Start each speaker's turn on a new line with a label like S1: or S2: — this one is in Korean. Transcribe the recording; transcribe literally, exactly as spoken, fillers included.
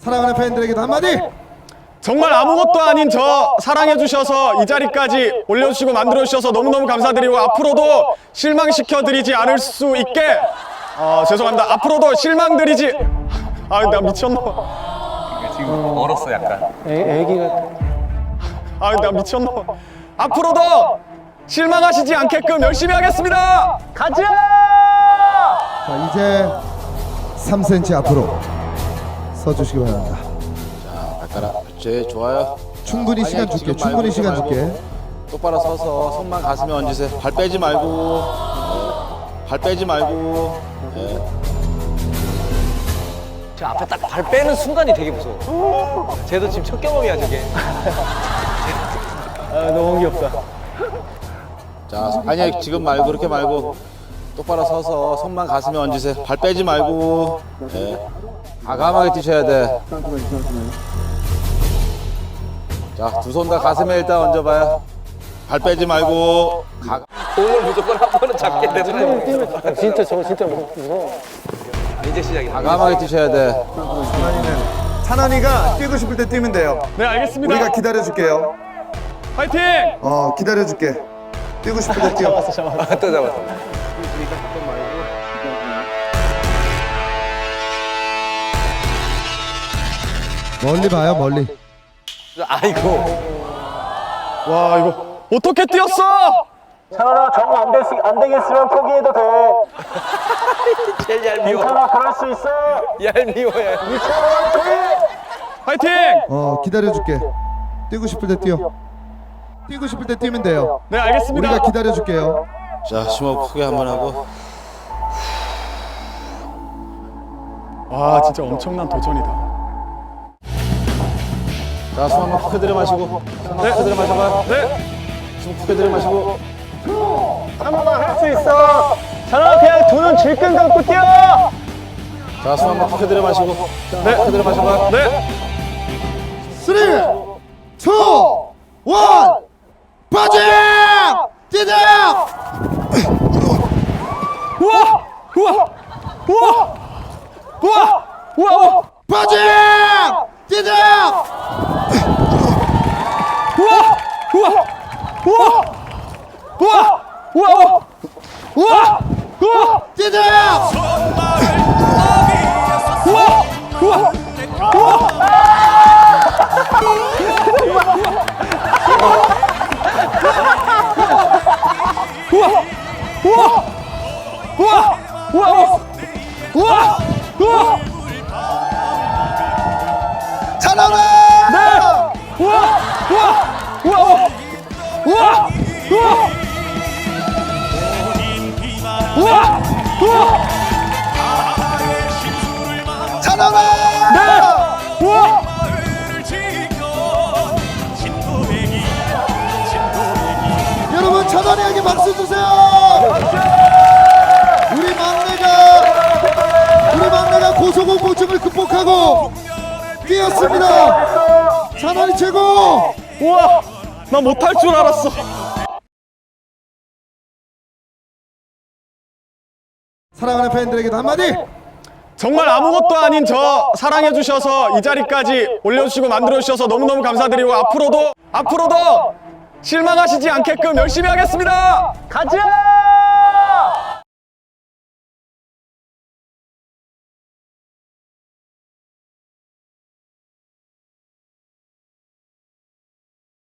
S1: 사랑하는 팬들에게도 한마디.
S2: 정말 아무것도 아닌 저 사랑해주셔서 이 자리까지 올려주시고 만들어주셔서 너무너무 감사드리고 앞으로도 실망시켜드리지 않을 수 있게 어, 죄송합니다. 앞으로도 실망드리지 아 나 미쳤나
S3: 지금 얼었어 약간.
S4: 애, 애기 같아.
S2: 아 나 미쳤나 앞으로도 실망하시지 않게끔 열심히 하겠습니다.
S4: 가자!
S1: 자, 이제 삼 센티미터 앞으로 서주시기 바랍니다.
S5: 발가락 그렇지 좋아요.
S1: 충분히
S5: 자,
S1: 시간
S5: 아니야,
S1: 줄게.
S5: 지금
S1: 충분히
S5: 말고,
S1: 시간
S5: 말고.
S1: 줄게.
S5: 똑바로 서서 손만 가슴에 얹으세요. 발 빼지 말고 네. 발 빼지 말고 네.
S3: 저 앞에 딱 발 빼는 순간이 되게 무서워. 쟤도 지금 첫 경험이야 저게.
S4: 아, 너무 귀엽다.
S5: 자 아니야 지금 말고 그렇게 말고 똑바로 서서 손만 가슴에 얹으세요. 발 빼지 말고 네. 과감하게 뛰셔야 돼. 자 두 손 다 가슴에 일단 얹어봐요. 발 빼지 말고 가...
S3: 오늘 무조건 한 번은 잡게 되더라고.
S4: 진짜 저거 진짜 무서워.
S3: 이제 시작이야.
S5: 과감하게 뛰셔야 돼.
S6: 찬환이는 찬환이가 뛰고 싶을 때 뛰면 돼요.
S2: 네 알겠습니다.
S6: 우리가 기다려줄게요.
S2: 파이팅!
S6: 어 기다려줄게. 뛰고 싶을 때 뛰어.
S3: 또 잡았어.
S1: 멀리 봐요, 멀리.
S3: 아이고.
S2: 와 이거 어떻게 뛰었어?
S4: 찬원아, 정 안 됐, 안 되겠으면 포기해도 돼.
S3: 제일 얄미워.
S4: 찬원아, 그럴 수 있어.
S3: 얄미워 얄.
S2: 파이팅!
S1: 어, 기다려줄게. 뛰고 싶을 때 뛰어. 뛰고 싶을 때 뛰면 돼요.
S2: 네 알겠습니다.
S1: 우리가 기다려줄게요.
S5: 자 심호흡 크게 한번 하고
S2: 와 진짜 엄청난 도전이다.
S5: 자 숨 한번 크게 들여 마시고
S2: 네.
S5: 크게 들여 마셔봐요.
S2: 네.
S5: 숨 크게 들여 마시고
S4: 찬원아, 할 수 있어. 찬원아, 그냥 두 눈 질끈 감고 뛰어.
S5: 자 숨 한번 크게 들여 마시고
S2: 네.
S5: 크게 들여 마셔봐요.
S2: 네.
S1: 쓰리, 투, 원, 빠짐! 뛰자!
S2: 우와! 우와! 우와! 우와! 우와!
S1: 빠짐! 뛰자!
S2: 우와! 우와! 우와! 우와! 우와! 우와! 우와!
S1: 뛰자!
S2: 우와! 우와! 우와! 우와! 우와! 우와! 우와! 우와! 우와!
S1: 찬원아!
S2: 네! 우와! 우와! 우와! 우와! 우와! 우와! 우와!
S1: 찬원아!
S2: 네! 우와!
S1: 여러분, 찬원이에게 박수 주세요! 우리 막내가 우리 막내가 고소공포증을 극복하고 뛰었습니다. 찬원이 최고!
S2: 우와! 나 못할 줄 알았어.
S1: 사랑하는 팬들에게도 한마디.
S2: 정말 아무것도 아닌 저 사랑해주셔서 이 자리까지 올려주시고 만들어주셔서 너무너무 감사드리고 앞으로도 앞으로도 실망하시지 않게끔 열심히 하겠습니다.
S4: 가자!